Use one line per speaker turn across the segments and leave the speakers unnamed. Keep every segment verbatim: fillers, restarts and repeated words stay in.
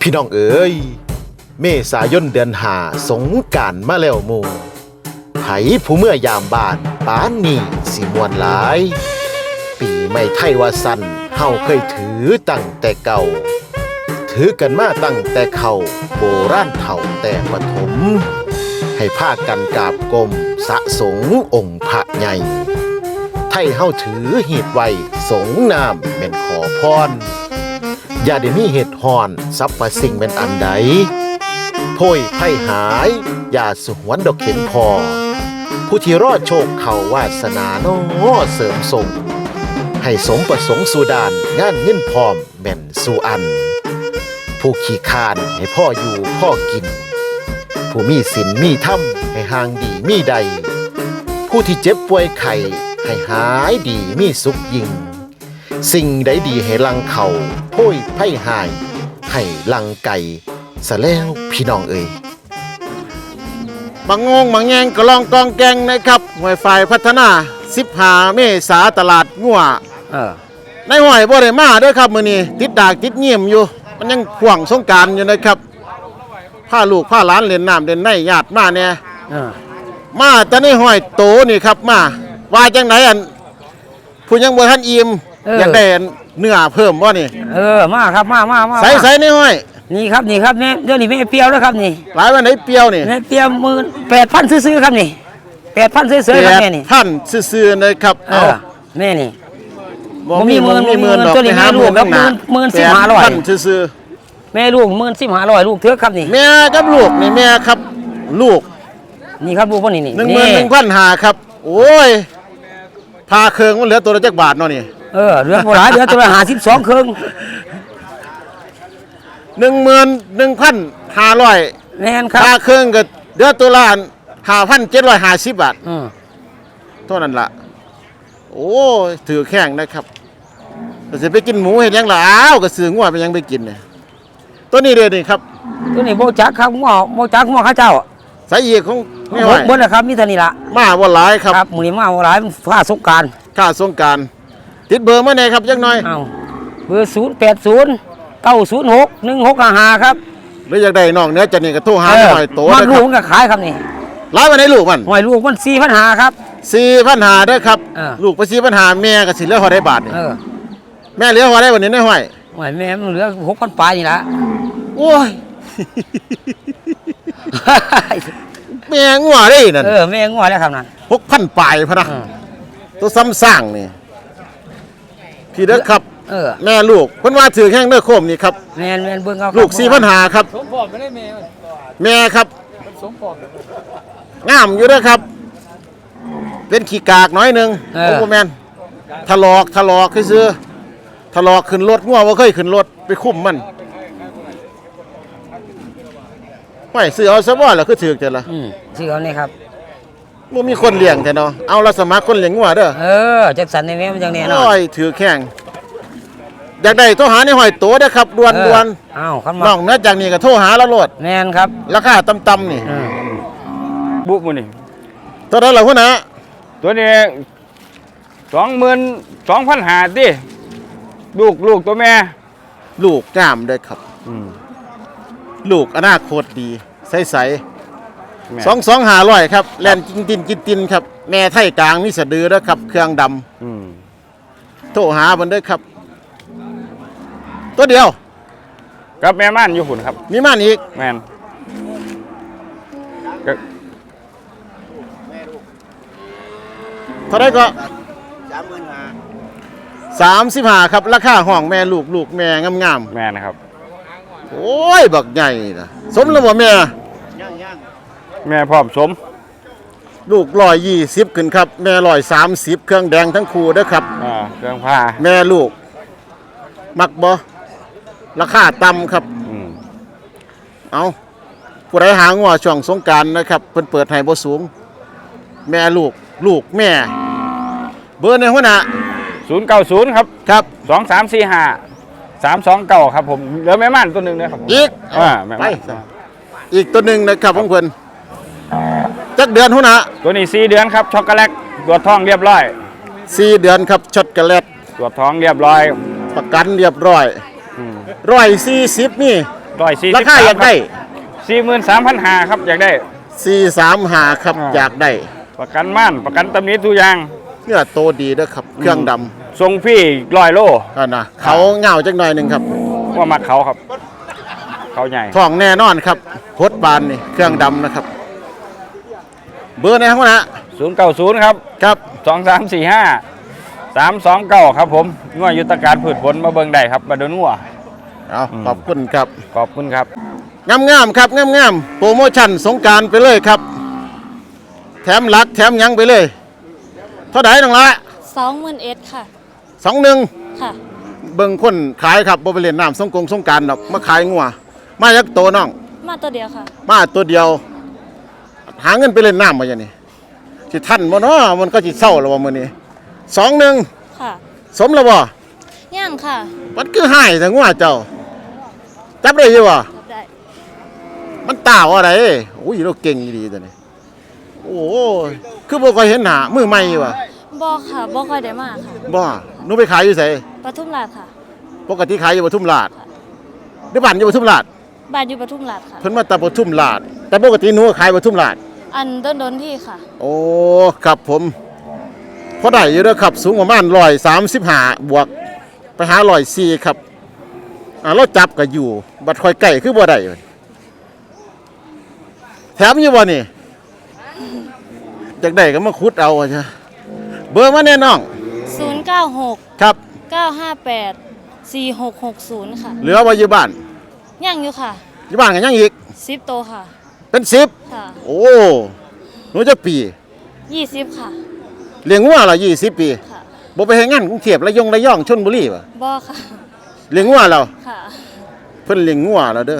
พี่น้องเอ๋ยเมษายนเดือนห้าสงกรานต์มาแล้วหมู่ไผผู้เมื่อยามบ้านปานนี้สิม่วนหลายปีใหม่ไทยว่าสั้นเฮาเคยถือตั้งแต่เก่าถือกันมาตั้งแต่เขาโบราณเฒ่าแต่ปฐมให้พากันกราบกรมสะสงองค์พระใหญ่ไทยเฮาถือหีดไว้สงน้ำแม่นขอพรอย่าได้มีเหตุหอนสัพพสิ่งเป็นอันใดโพยไพ่หายอย่าสุหวนดอกเข็นพอผู้ที่รอดโชคเขาวาสนาโน้เสริมส่งให้สมประสงค์สู่ดานงานเงินพร้อมแม่นสู่อันผู้ขี้คานให้พ่ออยู่พ่อกินผู้มีศีลมีธรรมให้ห่างดีมีใดผู้ที่เจ็บป่วยไข้ให้หายดีมีสุขยิ่งสิ่งใดดีให้ลังเขาโพ้ยไพ่หายให้ลังไก่สะแล้วพี่น้องเอ่ยบางงงบางแงงก็ลองกองแกงนะครับหน่วยฝ่ายพัฒนาสิบห้าเมษาตลาดงัวเออในห้อยบ่ได้มาเด้อครับมื้อนี้ติดดากติดเงียมอยู่มันยังห่วงสงกรานต์อยู่นะครับพาลูกพาหลานเล่นน้ำเล่นในญาติมาแน่เออมาแต่ในห้อยโตนี่ครับมาว่าจังไหนอันผู้ยังบ่ทันอิ่มอยากได้เนื้อเพิ่มบ่นี่
เออมาครับมามามา
ใส่ใส่ในห้อย
นี่ครับนี่ครับเนี่ยเดี๋ยวนี้ไม่เปรี้ยวแล้วครับนี่
หลายวันไหนเปรี้ยวนี่
ไม่เปรี้ยวหมื่นแปดพันซื้อๆครับนี่แปดพันซื้อๆครับแม่นี่
พันซื้อๆนะครับเอา
แม่นี่
บ่มีหมื่นมีหมื่นดอก
ตัวนี้แม่ลูกครับหมื่นหมื่นสิบห้าร้อย
พันซื้อ
ๆแม่ลูกหมื่นสิบห้าร้อยลูกเถือกครับนี่
แม่กับลูกนี่แม่ครับลูก
นี่ครับลูกพวกนี้นี่
หนึ่งหมื่นหนึ่งพันห้าครับโอ้ยพาเครื่องมันเหลือตัวละจักบาทเนาะนี่
เออเหลือโบราณเหลือตัวละห้าสิบสองเครื่อง
หนึ่งหมื่นหนึ่งพันห้าร้อย
แม่นครับ
ค่าเครื่องก็เดือนตัวละห้าพันเจ็ดร้อยห้าสิบบาทเท่านั้นละโอ้ถือแข้งนะครับก็จะไปกินหมูเห็นยังล่ะอ้าวก็ซื้องัวไปยังไปกินเนี่ยตัวนี้เลยนี่ครับ
ตัวนี้โบจักครับงัวโบจักงัวข้าเจ้า
สายเอกของ
ไม่ไหวบนนะครับมีเท่านี้ละ
มาวันหลายครับ
ครับมือนี้มาวันหลายค่าสงการ
ค่าสงการติดเบอร์มาไหนครับยังน้อย
เอาเบอร์ศูนย์แปดศูนย์เก้าศูนย์หกหนึ่งหกห้าครับ
หรืออยากได้น้องเนื้อจะนี่ก็โทรหาหน่อยโต
มันลูกก็ขายครับนี่
ร้ายวันไหนลูกมัน
หอยลูกมันสี่พันหาครับ
สี่พันหาเด้อครับลูกไปสี่พันหาแม่ก็สิเหลือหอได้บาทนี่แม่เหลือหอได้วันนี้ได้หอย
หอยแม่มันเหลือหกพันปลายนี่ละ
โอ้ยแม่งัวได้นั่น
เออแม่งัวแล้วครับนั่น
หกพันปลายพะนะตัวซ้ำสร้างนี่พี่เด้อครับแม่ลูกเพิ่นว่าถือแข้งเด้อโคมนี่ครับ
แม่แม่เบิ่งเอา
ลูกสี่พันหาครับแม่ครับงามอยู่เด้อครับเป็นขี้กากน้อยนึงโอ้แม่นถลอกถลอกคือซื้อถลอกขึ้นรถงัวบ่เคยขึ้นรถไปคุ้มมันไม่ซื้อเอาซะบ่ล่ะคือถือจังล่ะ
อืมซื้อเอานี่ครับ
บ่มีคนเลี้ยงแต่เนาะเอาละสมัครคนเลี้ยงงัวเด้อ
เออจักสันในแม่มันจังแน่เนาะ
โอ้ยถือแข้งอยากได้โทรหาในห้อยโตเด้อครับด่วน
ๆอ้าวคัน
น้องเนื้อจากนี้ก็โทรหาแล้วโลด
แม่นครับ
ราคาต่ำๆนี่
บุกมื้อนี่
ตัวนั้นล่ะพุ่นน่ะ
ตัวนี้ สองหมื่นสองพันห้าร้อย ติลูกลูกตัวแม่
ลูกงามเด้อครับลูกอนาคตดีใสๆสองพันสองร้อยห้าร้อยครับแล่นกินตินกินตินครับแม่ไทยกลางมีสะดือเด้อครับเครื่องดำอืมโทรหาเพิ่นเด้อครับตัวเดียว
กับแม่ม่านอยู่หุ่นครับ
มีม่านอีก
แม่น
เท่าไรก็สามสิบห้าครับราคาห้องแม่ลูกลูกแม่งาม
ๆแม่นะครับ
โอ้ยบักใหญ่นะสมแล้วบ่แม่
แม่พร้อมสม
ลูกร้อยยี่สิบขึ้นครับแม่ร้อยสามสิบเครื่องแดงทั้งคู่เด้อครับ
อ่าเครื่องผ้า
แม่ลูกมักบ่ราคาต่ำครับเอาผู้ใดหางัวช่วงสงกรานต์นะครับเพิ่นเปิดให้บ่สูงแม่ลูกลูกแม่เบอร์ในหัวหน้า
ศูนย์เก้าศูนย์ครับ
ครับ
สองสามสี่ห้าสามสองเก้าครับผมเหลือแม่ม่านตัวหนึ่งนะครับ
อีก
อ่าแม่
ม่านอีกตัวหนึ่งนะครับของเพิ่นจักเดือนหัวหน้า
ตัวนี้สี่เดือนครับช็อกโกแลตตรวจท้องเรียบร้อย
สี่เดือนครับช็อกโกแลต
ตรวจท้องเรียบร้อย
ประกันเรียบร้อยร้อยสี่สิบนี่
ร้อยสี่
รา
สิบ
คาอยากได้
สี่หมื่นสามพันห้าครับอยากได้
สี่สามหาครับ
อ่า
อยากได้
ประกันม่านประกันตำหนิทุกอย่าง
เนื้อโตดีเด้อครับ เครื่องดำ
ทรงพี่ร้อยโล
นั่นนะเขาเหงาจักหน่อยหนึ่งครับ
ว่ามักเขาครับ เขาใหญ่
ท้องแน่นอนครับพดบานนี่เครื่องดำนะครับ เบอร์ไหนครับนะ
ศูนย์เก้าศูนย์ครับ
ครับ
สองสามสี่ห้าสามสองเก้าครับผมงัวยุทธการพืชผลมาเบิ่งได้ครับมาดูงัว
เอา
อืม
ขอบคุณครับ
ขอบคุณครับ
งามงามๆครับงามงามๆโปรโมชั่นสงกรารไปเลยครับ แถมหลักแถมหยังไปเลย เท่าไหร่น้องละ
สองหมื่นเอ็ดค่ะ
สองหนึ่ง
ค่ะ
เบิ่งคนขายครับบ่ไปเล่นน้ำสงกรงสงกรารดอกมาขายงัวมายักโตน้อง
มาตัวเดียวค่ะ
มาตัวเดียว หาเงินไปเล่นน้ำมาอย่างนี้สิทันบ่เนาะมันก็สิเศร้าแล้วว่ามื้อนี้สองหนึ่ง
ค่ะ
สมแล้วบ่
ย่างค่ะ
มันคือหายแต่งัวเจ้าจับได้อยู่บ่
รับได้
มันตาอะไรโอ้ยเราเก่งดีตัวนี้โอ้ยคือบ่ค่อยเห็นหน้ามือใหม่อยู่ว่ะ
บอค่ะบอค่อยได้มาค่ะ
บ่หนูไปขายอยู่ไส
ปทุมราชค่ะ
ปกติขายอยู่ปทุมราชหรือบ้านอยู่ปทุมราช
บ้านอยู่ปทุมราชค่ะ
เพิ่นมาแต่ปทุมราชแต่ปกติหนูก็ขายปทุมราช
อันต้นดนที่ค่ะ
โอ้ครับผมพอได้อยู่เด้อครับสูงประมาณหนึ่งร้อยสามสิบห้าบวกไปหาหนึ่งร้อยสี่ครับอ่าเราจับก็อยู่บัดค่อยใกล้คือบ่ได้แถมอยู่บ่นี่จากได้ก็มาคุดเอาอะจ้ะเบอร์มาแน่น้อง
ศูนย์ เก้า หก
ครับ
เก้า ห้า แปด สี่ หก หก ศูนย์ ค่ะ
เหลือไว้อยู่บ้าน
ย่างอยู่ค่ะ
อยู่บ้านกันยังอีก
สิบโตวค่ะ
เป็นสิบ
ค่ะ
โอ้หนูจะปี
ยี่สิบค่ะ
เลี้ยงวัวเหรอยี่สิบปี
ค่ะ
บ่ไปเฮ็ดงานกรุงเทพระยองระยองชลบุรีป่ะ
บอค่ะ
เลี้ยงวัวเรา
ค่ะ
เพิ่นเลี้ยงงัวแล้วเด้อ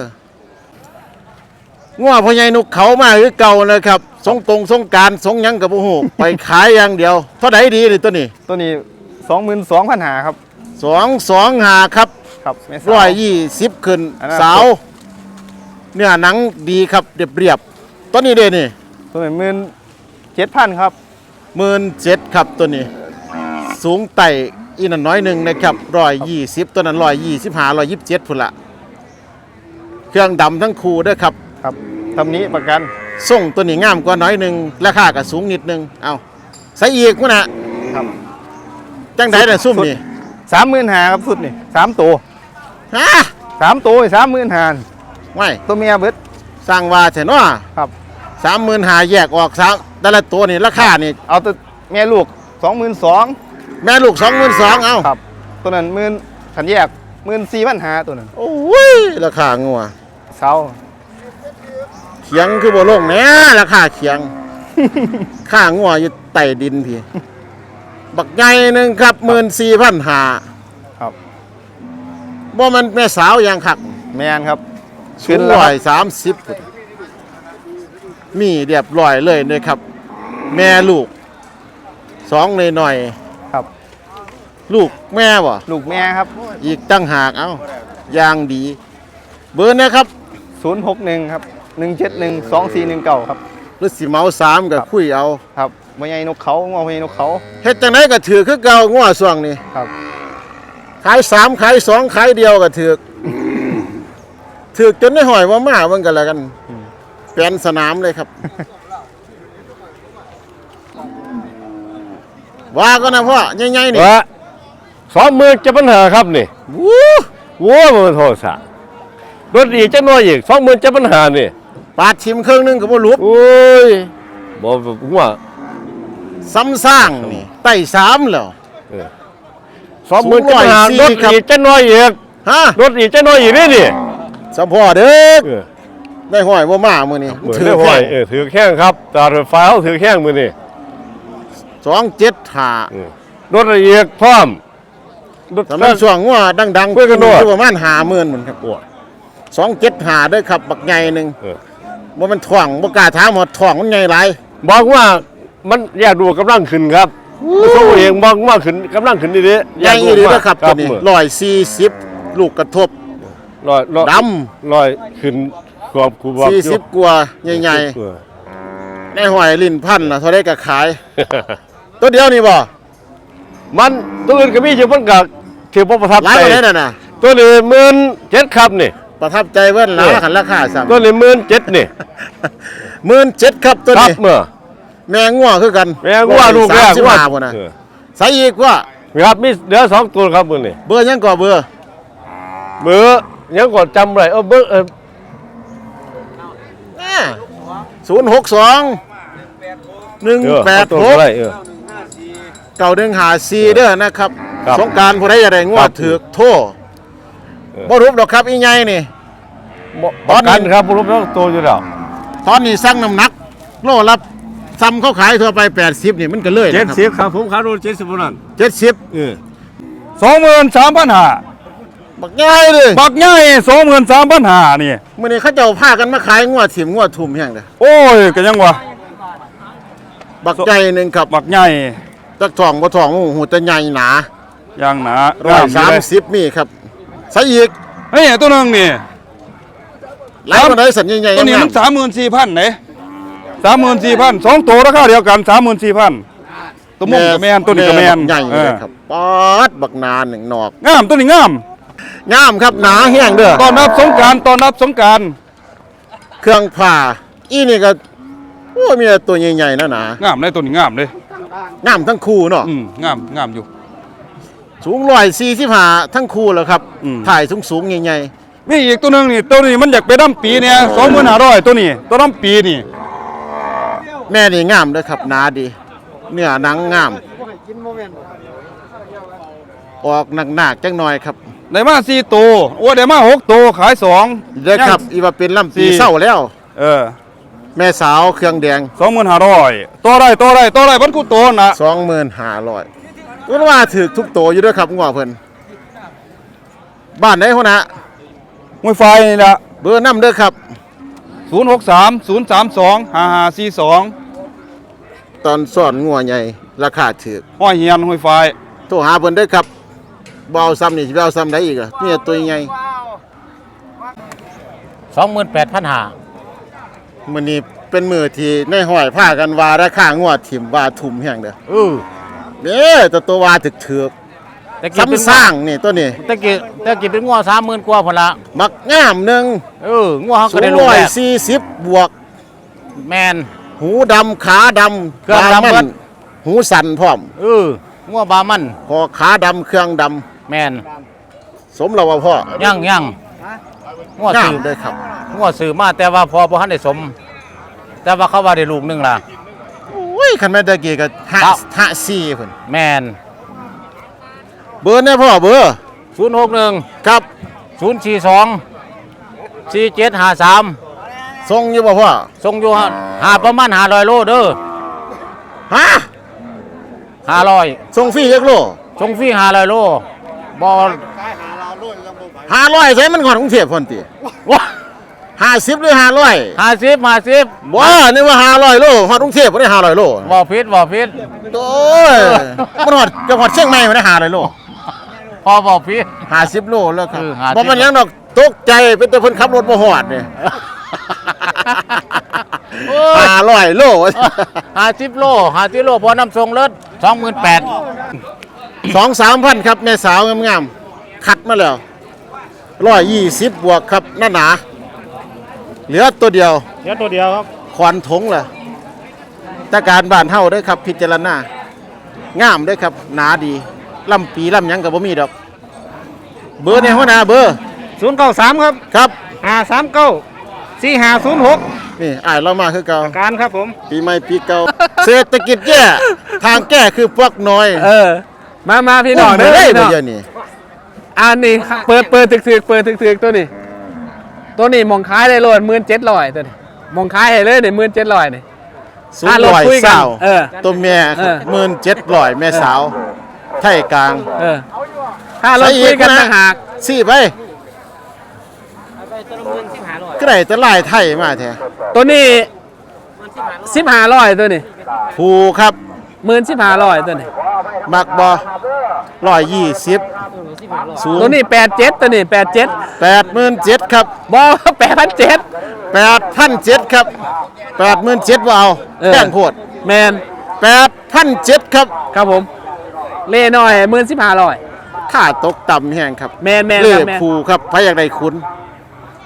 งัวพ่อใหญ่นกเขามาคือเก่านะครับสงตรงสงกรารสงหยังกับบ่ฮู้ ไปขายอย่างเดียวเท่าใดดีนี่ตัวนี้
ตัวนี้สองหมื่นสองพันหาครับ
สองสองห้าครับ
ครับแม่สาว
ร้อยยี่สิบขึ้น
อันนั้น
สาวเนื้อหนังดีครับเรียบเรียบๆตัวนี้เด้นี่
ตัวนี้หมื่นเจ็ดพันครับ
หมื่นเจ็ดครับตัวนี้ สูงไต่อีนั่นน้อยหนึ่งนะครับร้อยยี่สิบตัวนั้นร้อยยี่สิบห้าร้อยยี่สิบเจ็ดพุ่นละเครื่องดำทั้งคู่เด้อครับ
ครับตำหนี้ประกัน
ส่งตัวนี้งามกว่าน้อยหนึ่งราคาก็สูงนิดนึงเอาใส่อีกมั้งนะครับ จังไดน่ะซุ่มนี่
สามหมื่นหาครับสุดนี่สามตัว
ฮะ
สามตัวสามหมื่นหา
ไม่
ตัวเมียเบิด
สร้างว่าแท้เนาะ
ครับ
สามหมื่นหาแยกออกสามแต่ละตัวนี่ราคานี่
เอาตัวแม่ลูกสองหมื่นสอง
แม่ลูกสองหมื่นสองเอา
ครับ ตัวนั้นหมื่นขันแยกหมื่นสี่พันหาตัวนั้น
โอ้ยราคางัว
เสา
เขียงคือบ่ลงแหน่ราคาเขียง ค่างัวอยู่ใต้ดินพี่ บักใหญ่หนึ่งครับหมื่นสี่พันหา
ครับ
บ่มันแม่สาวอย่างคัก
แมนครับ
สูงร้อยสามสิบมีเรียบร้อยเลยนะครับ แม่ลูกสองหน่อย
ครับ
ๆลูกแม่บ่
ลูกแม่ครับ
อีกตั้งหากเอ้าอย่างดี เบอร์นะครับ
ศูนย์หกหนึ่งครับหนึ่งเจ็ดหนึ่งสองสี่หนึ่งเก้าครับ
หรือสิเมาสามกับคุยเอา
ครับพ่อใหญ่นกเขางอพ่อใหญ่นกเขา
เฮ็ดจังไดก็ถือคือเก่างัวส่วงนี้
ครับ
ขายสามขายสองขายเดียวก็ถือก ถือกจนได้หอยว่ามาเบิ่งกันแล้วกันแปลนสนามเลยครับ ว่าก็นะพ่อใหญ่ๆนี่
ว่าสองหมื่นจะปัญหาครับนี่
วู้
วัวมันโทษสะรถอีกจะน้อยอีกสองหมื่นจะปัญหานี่
ปาดชิมเครื่องนึงก็บ่รูป
โอ้ยบอกว่า
ซ้ำสร้างนี่ไต่สามแล้ว
สองหมื่นจะปัญหา
สูง
ร
ร้อย
ถ
สี่ครับ
อีกจะน้อยอีก
ฮะ
รถอีกจะน้อยอีกนี่นี่
สะพ่อเด้อ
เออ
ได้หอยว่ามามื้อนี้
เหมือน
ถื
ได้
อ
ห้
แค่
อยเออถือแข้งครับตาไฟฟ้าเขาถือแข้งมือนี่
สองเจ็ดห้าร
ถอีกพร้อมรถ
สำหรับช่วงว่าดังๆ
คุยกันด้วย
อยู่ประมาณห้าหมื่นเหมือนครับ
โอ้ย
สองเจ็ดห้าเด้อครับบักใหญ่หนึง
เออ
บ่มันถ่วงบ่กล้าถามหมดถ่วงมันใหญ่หลาย
บอกว่ามันอยากดูกำลังขึ้นครับตัวเองบอกว่าขึ้นกำลังขึ้นดีๆ
ใหญ่อีหลีเด้อครับตัวนี้
มือ
ร้อยสี่สิบลูกกระทบ
ลอยลอย
ด
ลอยขึ้นกรอบคูบอก
สี่สิบกว่าใหญ่
เออ
ๆในหอยลิ้นพันน่ะเท่าได้ก็ขาย ตัวเดียวนี่บ่
มันตัวอื่นก็มีอยู่มันก็ถือว่าประทับ
หลาย
ใจ
กว่านั้นน่ะนะ
ตัวนี้หมื่นเจ็ดครับนี่
หประทับใจเว้นหลายขันราคาซ้ำ
ตัวนี้หมื่นเจ็ดนี่
หมื่นเจ็ดครับตัว
ครับ
นี้
เมื่อ
แมงงัวคือกัน
แม่งว่าลูกแรก
สิบ
ว่า
ห้าพุ่นนะ
เออ
ใส่อีกว่า
ครับมีเหลือสองตัวครับมื้อนี้
เบอร์ยังก่อเบอร์
เบอร์ยังกดจำไรเออเบอร์เออ
ศูนย์หกสองหนึ่ง
เออ
แปด
เอาตัว
หก
ไรเออ
เก่าดึงหาซีเด้อนะครับ
ครับ
สงกรารผู้ใดจะได้งว
ครั
ด
บ
ถือกโทษ
เออ
บ่รูปดอกครับอีไงนี่
ประกันครับผมรู้แล้วตัวอยู่แล้ว
ตอนนี้สั่งน้ำหนัก โลละซ้ำเขาขายทั่วไปแปดสิบนี่มันก็เลย
เจ็ดสิบครับผมขายโลเจ็ดสิบนั่น
เจ็ดสิบ
เออ
สองหมื่นสามพันห้า
บักง่ายเลย
บักใหญ่สองหมื่นสามพันห้านี่
มื้อนี้เขาเจ้าพากันมาขายงวดถิ่มงวดทุ่มแห้งเด้อ
โอ้ยก็ยังวะ
บักใจหนึงครับ
บักใหญ่
จักทองบ่ทองโอ้โหแต่ใหญ่หนา
ยังหนา
ร้อยสาม
เลย
สิบมีครับใส่อีก
เฮ้ยตัวหนึงนี่
หลายคนได้สัญญาใหญ่
ตัวนี้
งา
มั
ม
นสามหมื่นสี่พันไหนสามหมื่นสี่พันสองตัวราคาเดียวกันสามหมื่นสี่พันตัวมุ้งกับแมนตัวนี้กับแมน
ใหญ่
เอ
เล
อย
ครับป๊อดบักนานหนึ่งนอก
งามตัวนี้งาม
งามครับหนาแห้งเด้อ
ตอนรับสงกรารตอนรับสงกราร
เครื่องผ่าอีนี่ก็โอ้ยมีแต่ตัวใหญ่ๆนะหนาง
ามเลยตัวนี้งามเลย
งามทั้งคู่เนาะ
อืมงามงามอยู่
สูงร้อยสี่สิบห้าทั้งคู่แล้วครับ
อืม
ถ่ายสูงๆใหญ่
มีอีกตัวหนึงนี่ตัวนี้มันอยากไปดำปีเนี่ยสองหมื่นห้าร้อยตัวนี้ตัวดำปีนี่
ๆแม่นี่งามเด้อครับหนาดี เนื้อหนังงามออกหนักๆจังหน่อยครับ
ได้มาสี่ตัวโอ้ได้มาหกตัวขายสอง
เด้อครับอีว่าเป็นลำปี
สี่
เศร้าแล้ว
เออ
แม่สาวเครื่องแดง
สองหมื่นห้าร้อยตัวไรตัวไรตัวไรบันกูตัวน่ะ
สองหมื่นห้าร้อยว่าว่าถือทุกโตอยู่ด้วยครับงัวเพิ่นบ้านไหนหัวหน้า
มวยไฟนี่แหละ
เบอร์น้ำเด้อครับ
ศูนย์หกสามศูนย์สามสองห้าห้าสี่สอง
ตอนสอนงัวใหญ่ราคาถือ
ห้อยเฮียนมวยไฟ
โทรหาเพิ่นเด้อครับเบเอาซ้ำนี่สิไปเอาซ้ำได้อีกอ่ะนี่ตัวใหญ่
สองหมื่นแปดพันห้า
มื้อนี้เป็นมื้อที่ในห้อยพากันว่าราคางัวถิ่มว่าทุ่มแห้งเด้อ
เออ
เด้อตัวตัวว่าถึกถือก
แต่กี้เป็น
ซ้ำสร้างนี่ตัวนี้
แต่กี้แต่กี้เป็นงัวสามหมื่นกว่าพนละ
มักงามหนึง
เอองัวเขา
สู
ก็ได้
ง
ลูก
ร้อย
แรก
สี่สิบบวก
แมน
หูดำขาดำ
เครื่องดำ
ตามัน
เบิด
หูสั่นพร้อม
เอองัวบามัน
คอขาดำเครื่องด
แมน
ำสมเราว่าพ่อ
ยั่งยั่งงัว
งา
สื่
ม
อ
เลยครับ
งัวสื่อมาแต่ว่าพอบ่ทันได้สม แต่ว่าเขาว่าได้ลูกหนึงล่ะ
โอ้ยคันแม่ตะกี้ก็หะ
ครับ
หะซี่เพิ่น
แมน
เบอร์เนี่ยพ่อเบอร์
ศูนย์หกหนึ่ง
ครับ
ศูนย์สี่สองสี่เจ็ดห้าสาม
ส่งอยู่บ่พ่อ
ส่งอยู่หาประมาณห้าร้อยโลเด้อ
ฮะ
ห้าร้อย
ส่งฟรีจักโล
ส่งฟรีห้าร้อยโลบ่
ห้าร้อยใช้มันก่อนกรุงเทพพ่นติ
ว้า
ห้าสิบหรือห้าร้อย
ห้าสิบห้าสิบ
บ่นี่ว่าห้าร้อยโลฮอดกรุงเทพบ่ได้ห้าร้อยโล
บ่ผิดบ่ผิด
โอ้ยมันฮอดจะฮอดเชียงใหม่บ่ได้ห้าร้อยโล
พอบ่ผิด
ห้าสิบโลแล้วครับ
เออห้าสิบ
บ่มันหยังดอกตกใจเป็นแต่เพิ่นขับรถบ่ฮอดนี่
โอ้ย
ห้าร้อยโล
ห้าสิบโลห้าสิบโลพอน้ำทรงเลิศสองหมื่นแปด
สองสามพันครับแม่สาวงามๆคัดมาแล้วร้อยยี่สิบบวกครับหน้าหนา เหลือตัวเดียว
เดี๋ยวตัวเดียวครับ
ขวานถงล่ะตาการบ้านเฮาเด้อครับ พิจารณางามเด้อครับ หนาดีลำปีลำหยังกับบ่มีดอก เบอร์เนี่ยหัวหน้าเบอร์
ศูนย์เก้าสามครับ
ครับ
ห้าสามเก้าสี่ห้าศูนย์หก
นี่อ้ายเรามาคือเก่า
การครับผม
ปีใหม่ปีเก่า เศรษฐกิจแย่ทางแก้คือพวกน้อย
เออ มามาพี่น้อง
เด้
เด้อ
อ
พี่
บ่
น้อง
เดี๋ยวนี้
อันนี้เปิดเปิดถึกๆเปิดถึกๆตัวนี้ ตัวนี้มองขายได้โลดหมื่นเจ็ดร้อยตัวนี้มองขายให้เลยเนี่ยหมื่นเจ็ดร้อยนี่
สูง
อ่ะเรา
ร้อย
คุยกัน
สาว
เออ
ตัวแม่
เออ
หมื่นเจ็ดร้อยแม่สาว ไทยกลาง
เออ ถ้าเราคุยกันต่างหาก
สี่ไปก็ได้แต่ลายไทยมาแท้
ตัวนี้สิบห้าร้อยตัวนี้
ผูครับ
หมื่นสิบห้าร้อยตัวนี้
มักบอร้อยยี่สิบสูง
ตัวนี้แปดเจ็ดตัวนี้แปดเจ็ด
แปดหมื่นเจ็ดครับ
บอแปดพันเจ็ด
แปดพันเจ็ดครับแปดหมื่นเจ็ดว่าเอา
เออ
แป้งโพด
แมน
แปดพันเจ็ดครับ
ครับผม เล่น้อยหมื่นสิบห้าร้อย
ค่าตกต่ำแห้งครับ
แมนแมน
เล่
ครับแมน
ผูครับพระอยากได้คุณ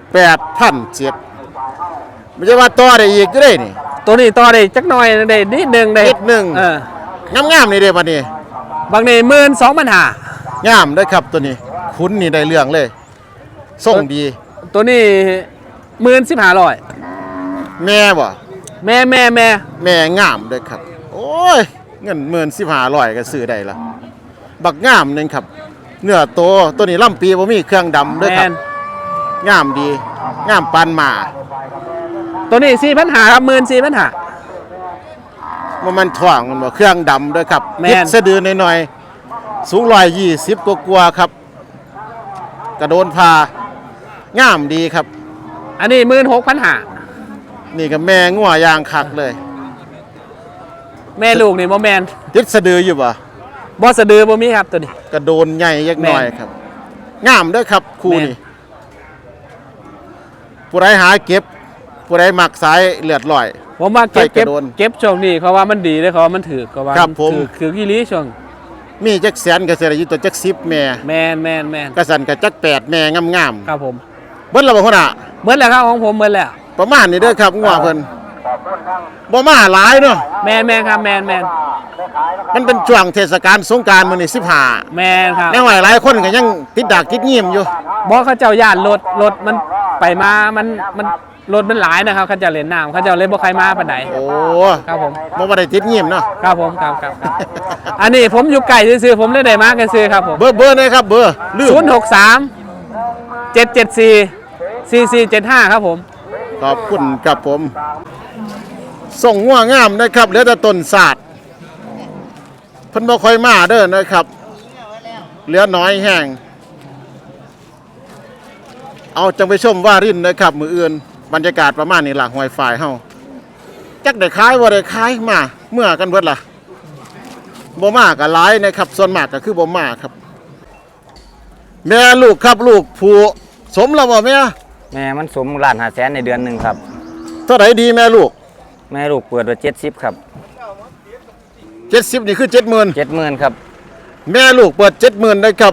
แปดพันเจ็ดไม่ใช่ว่าต่อได้อีกก็ได้นี่
ตัวนี้ต่อได้จักหน่อยได้นิดหนึงได้
นิดหนึ่ง
เออง
ามๆนี่เด้บัดนี้
บางนี่หมื่นสองพันห้าง
ามเด้อครับตัวนี้คุ้นนี่ได้เรื่องเลยส่งดี
ตัวนี้หมื่นสิบห้าร้อย
แม่บ่
แม่แม่แม่
แม่งามเด้อครับ โอ้ยเงินหมื่นสิบห้าร้อยก็ซื้อได้ละบักงามหนึงครับ เนื้อโตตัวนี้ลำปีบ่มีเครื่องดำเด้อ
แม
ครับ
น
งามดีงามปานหมา
ตัวนี้สี่พันห้าครับหมื่นสี่พันห้า
ว่ามันถ่วงมันบ่เครื่องดำเด้อครับ
แม่น
ติดสะดือหน่อยๆสูงร้อยยี่สิบกว่าๆครับ กระโดนพางามดีครับ
อันนี้หมื่นหกพันห้า
นี่ก็แม่งัวยางคักเลย
แม่ลูกนี่บ่แมน
ติดสะดืออยู่บ่
บ่สะดือบ่มีครับตัวนี้
กระโดนใหญ่ยักหน่อย
แม่น
ครับ งามเด้อครับคู่
แม่น
นี้ผู้ใดหาเก็บ ผู้ใดมักสายเลือดลอย
ผมว่าเก็บ
ใส่ก
เก็บ
ระโดน
เก็บช่วงนี้เขาว่ามันดีเลยเขาว่ามันถือเขาว่า
ครับผม
ถือคือกี่ลีช่วง
มีจักแสนก็สิได้อยู่ตัวจักสิบแม่
แมนแมนแมน
กระสันก็จักแปดแม่งาม
ครับผม
ๆเบิ่นและบ่พุ่นน่ะ
เหมือนแล้วครับของผมเหมือนแล้ว
ประมาณนี้เด้อครับงัวเพิ่นบ่มาหลายเนาะ
แมนแมนครับแมนแมน
มันเป็นช่วงเทศกาลสงกรานต์มื้อนี้สิบห้า
แมนครับ
แน่หหลายคนก็ยังติดดากติดงีมอยู่
บอกเขาเจ้าย่านรถรถมันไปมามันมันรถมันหลายนะครับเขาเจ้าเล่นน้ำเขาเจ้าเล่นบ่ใครมาปานใด
โอ้
ครับผม
บ่ว่าได้ติดงีมเนาะ
ครับผมครับครับครับอันนี้ผมอยู่ไก่ซื้อๆผมเลยได้มากันซื้อครับผม
เบอร์เบอร์เลยครับเบอร์ลืม
ศูนย์หกสามเจ็ดเจ็ดสี่สี่สี่เจ็ดห้าครับผม
ขอบคุณครับผม ส่งงัวงามนะครับเหลือแต่ต้นศาสตร์เพิ่นบ่ค่อยมาเด้อนะครับ เหลือน้อยแห้งเอาจังไปชมว่ารินนะครับมืออื่นบรรยากาศประมาณนี้ล่ะหอยฝ่ายเฮาจักได้ขายบ่ได้ขายมาเมื่อกันเบิดล่ะบ่มาก็หลายนะครับส่วนมากก็คือบ่มาครับ แม่ลูกครับลูกผู้สมแล้วบ่แม่
แม่มันสมล้านหาแสนในเดือนหนึ่งครับ
เท่าไหร่ดีแม่ลูก
แม่ลูกเปิดไว้เจ็ดสิบครับ
เจ็ดสิบนี่คือเจ็ดหมื่น
เจ็ดหมื่นครับ
แม่ลูกเปิดเจ็ดหมื่นนะครับ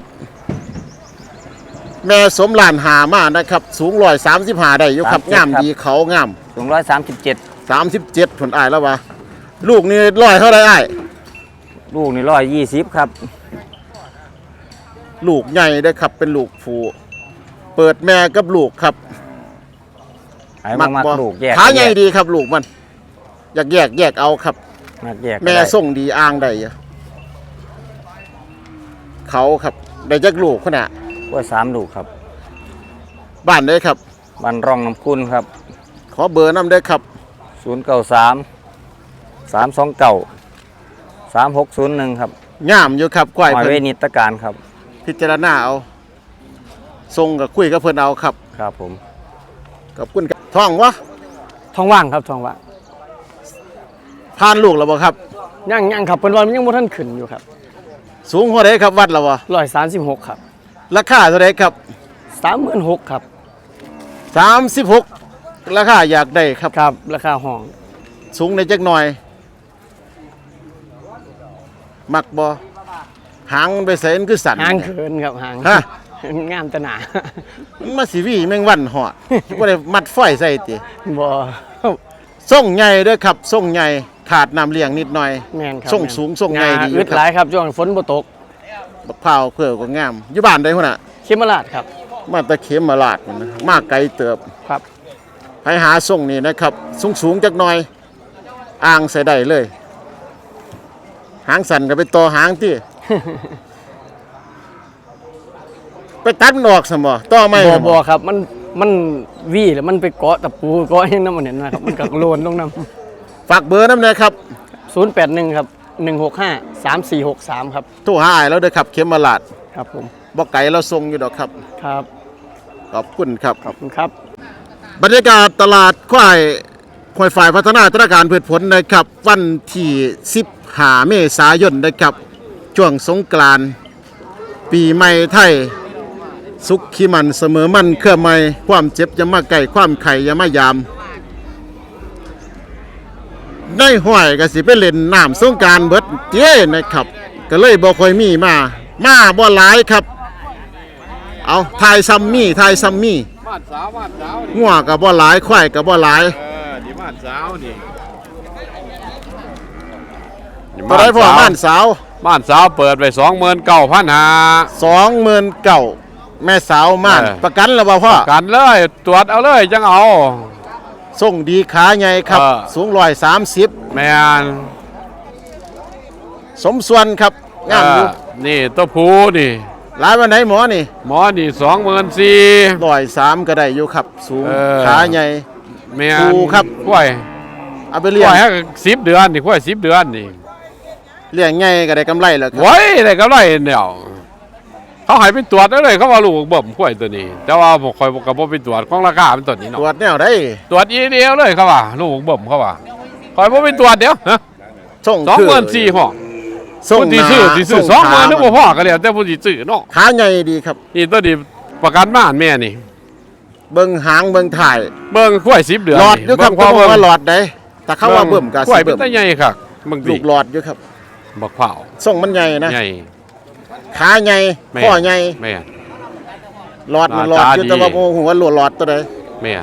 แม่สมหลานหามานะครับ สูงร้อยสามสิบห้าได้อยู่ครับ
สามสิบ
งาม
ครับ
ดีเขางาม
สูงร้อยสามสิบเจ็ด
สามสิบเจ็ดผลอายแล้ววะลูกนี่ร้อยเท่าไรอ้าย
ลูกนี่ร้อยยี่สิบครับ
ลูกใหญ่ได้อครับเป็นลูกผูเปิดแม่กับลูกครับ
ไอ้มามัก
บ่
ลูกแยก
ขาใหญ่
แยก
ดีครับลูกมัน อยากแยกแยกเอาครับ
มักแยกก็
แม่
ได้
ส่งดีอ่างได้อยู่เขาครับได้จักลูกขนาด
กล้วยสามลูกครับ
บ้านได้อครับ
บันร่องน้ำคุณครับ
ขอเบอร์น้ำได้อครับ
ศูนย์เก้าสามสามสองเก้าสามหกศูนย์หนึ่งครับ
งามอยู่ครับกล้วย
หอย
เพิ่
เวน นิตการครับ
พิจารณาเอาทรงกับคุยกับเพิ่นเอาครับ
ครับผม
กับคุณครับท้องวะ
ท้องว่างครับท้องว่าง
ผ่านลูกแล้วบ่ครับ
ยังยังครับเป็นวันยังบ่ทันขึ้นอยู่ครับ
สูงเท่าไรครับวัดแล้วบ่
ร้อยสามสิบหกครับ
ราคาเท่าไรครับ
สามหมื่นหกครับ
สามสิบหกราคาอยากได้ครับ
ครับราคาห้อง
สูงในจักหน่อย มักบ่หางมันไปใส่มันคือสั่น
หางเขินครับหาง
ฮะ
งามแตะหนา
มันมาสิวีแมงวันหอดบ่ได้มัดฝอยใส่ติ
บ่
ส่งใหญ่เด้อครับส่งใหญ่ขาดน้ำเลี้ยงนิดหน่อย
แม่นครับ
ส่งสูงส่งใหญ่ดีอยู่
อึด
ครับ
หลายครับช่วงฝนบ่ตก
บักพร้าวเพื่อก็งามอยู่บ้านได้พุ่นน่ะ
เขมราชครับ
มาตะเข็มมาลาดพุ่นนะมาไกลเติบ
ครับ
ไปหาส่งนี่นะครับ สูงสูงๆจักหน่อย อ่างใส่ได้เลย หางสั่นก็ไปต่อหางที่ ไปตัดมันออกสมบ่ต่อไม่
บ่
สม
บ่ครับมันมันวีแล้วมันไปเกาะตะปูเกาะหยังนำมันเห็นนะครับมันก็โลนลงนำ
ฝากเบอร์น้ำเลยครับ
ศูนย์แปดหนึ่งครับหนึ่งหกห้าสามสี่หกสามครับ
โทรหาอ้ายแล้วเด้อครับ เข็มมาลาด
ครับผม
บ่ไก่เราส่งอยู่ดอกครับ
ครับ
ขอบคุณครับ
ขอบคุณครับ
บรรยากาศตลาดควายควายฝ่ายพัฒนาธนาการพืชผลนะครับ วันที่สิบห้าเมษายนนะครับช่วงสงกรานต์ปีใหม่ไทย สุขขีมันเสมอมันเครือไม่ความเจ็บอย่ามาไก่ความไข่อย่ามายามในห้อยก็สิไปเล่นน้ำสงกรานต์เบิดเจ้นะครับ ก็เลยบ่ค่อยมีมา มาบ่หลายครับ เอาทายซัมมี่ทายซัมมี่
บ้านสาวบ้านสาวนี่
งัวก็บ่หลายควายก็บ่หลาย
เออนี่บ้านสาวนี่
บ่ได้พ่อม่านสาว
บ้านสาวเปิดไปสองหมื่นเก้าพันห้า
สองหมื่นเก้าแม่สาวม่าน
เออ
ประกันแล้วบ่พ่อ
กันเลยตรวจเอาเลยจังเอา
ส่งดีขาใหญ่ครับ
เออ
สูงร้อยสามสิบ
แม่น
สมส่วนครับงามอยู่
เออนี่ตัวผูนี่
หลายวันไหนหมอนี่
หมอนี่สองหมื่นสี่
ร้อยสามก็ได้อยู่ครับ สูง
เออ
ขาใหญ่
แม่น
ผูครับ
กล้วย
เอาไป
ก
เลี้
ล้
ยง
วยให้สิบเดือนนี่กล้วยสิบเดือนนี่
เลี้ยงใหญ่ก็ได้กำไรแล้วครับ
ไว้ได้กำไรเดียวเขาให้ไปตรวจได้เลยเขาว่าลูกเบิ่มกล้วยตัวนี้ แต่ว่าผมคอยกับผมไปตรวจของราคาเป็นตัวนี้
ตร
เนาะ
วจแนวได้
ตรวจอีเดียวเลยเขาว่าลูกเบิ่มเขาว่าคอยผมไปตรวจเดี๋ยวฮะ
ส่ง
สอง
คื
หมื่นสี่ห้อง
ส่ง
ผู้ที่ซื้อที่ซื้อสองหมื่นนึกว่าพ่อก็แล้วแต่ผู้ที่ซื้อเนาะ
ขาใหญ่ดีครับ
นี่ตัวนี้ประกันบ้านแม่นี่
เบิ่งหางเบิ่งถ่าย
เบิ่งกล้วยสิบเดือน
หลอดอยู่ครับ
พอ
เขาบอก
เบิ่ง
ว่าหลอดได้แต่เขาว่าเบิ่มกับ
กล้วย
สิ
เป็น
เบิ่ม
ตาใหญ่ครับเบิ่ง
ลู
ดิ
กหลอดอยู่ครับ
บักเผา
ส่งมันใหญ่นะ
ใหญ่
ขาใหญ่
แม่
ข้อใหญ่
แม่
หลอดมันหลอด
หน้า
อยู่
ตาดี
แต่ว่าโมโหว่าหลอดหลอดตัวใด
แม่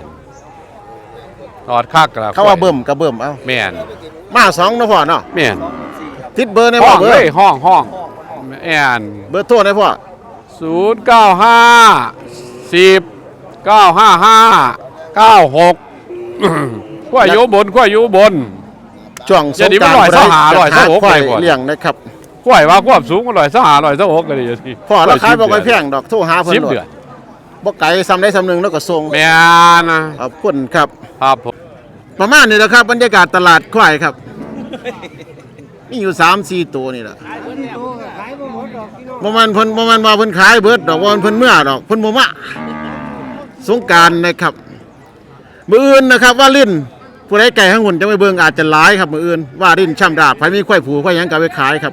หลอดคักละ
เขาว่าเบิ่มกับเบิ่มเอา
แม่น
มาสองเนาะพ่อเนาะ
แม่น
ติดเบอร์ใน
ห้
พ่
อ
อง เบอ
เล
ร์
ยห้องห้องแอน
เบอร์โทรในพ่อ
ศูนย์เก้าห้าสิบเก้าห้าห้าเก้าหกขั้วอยู่บนขั้วอยู่บน
ช่วงส
อย่าง
ง
นี้
ก
มั
ราน น
ร้อย
ต์
สหาร้อยสหก
ควาย
ไปก่อน
เลี้ยงนะครับ
ขั้วว่าความสูงมันลอยสหาลอยสหกกันเลยที
พ่อราคาบ่ค่อยแพงดอกโทรหาเพิ่น
สิบ
โลด
เดือน
บ่ไกลซ้ำได้ซ้ำหนึงแล้วก็ส่ง
แม่นนะ
ขอบคุณครับ
ครับผม
ประมาณนี้แหละครับบรรยากาศตลาดควายครับมีอยู่ สามสี่ ตัวนี่แหละบ่แม่นเพิ่นบ่แม่นว่าเพิ่นขายเบิดดอกว่าเพิ่นเมื่อดอกเพิ่นบ่มาสงกรานต์นะครับมื้ออื่นนะครับว่าลิ้นผู้ใดไก่ข้างหุ่นจะไปเบิ่งอาจจะหลายครับมื้ออื่นว่าลิ้นช่ำดาบไผมีควายผูควายหยังก็เอาไปขายครับ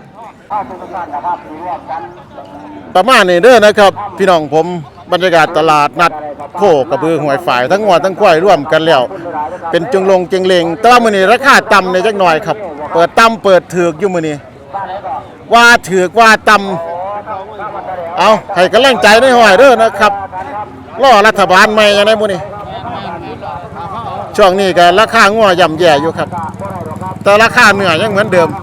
ประมาณนี้เด้อนะครับ พี่น้องผมบรรยากาศตลาดนัดโคกระบือหวยฝ่ายทั้งงวทั้งควายร่วมกันแล้ว เป็นจึงลงจึงเลงแต่ว่ามื้อนี้ราคาต่ำในจักหน่อยครับ เปิดต่ำเปิดถูกอยู่มื้อนี้ว่าถูกว่าต่ำเอาให้กำลังใจในห้อยเด้อนะครับรอรัฐบาลใหม่ยังไงมื้อนี้ช่วงนี้ก็ราคางัวย่ำแย่อยู่ครับ แต่ราคาเนื้อยังเหมือนเดิม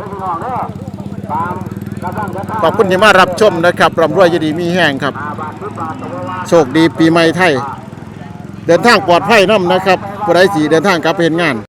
ขอบคุณที่มารับชมนะครับร่ำรวยยินดีมีแห้งครับ โชคดีปีใหม่ไทย เดินทางปลอดภัยน้ำนะครับผู้ใดสีเดินทางกลับไปเห็นงาน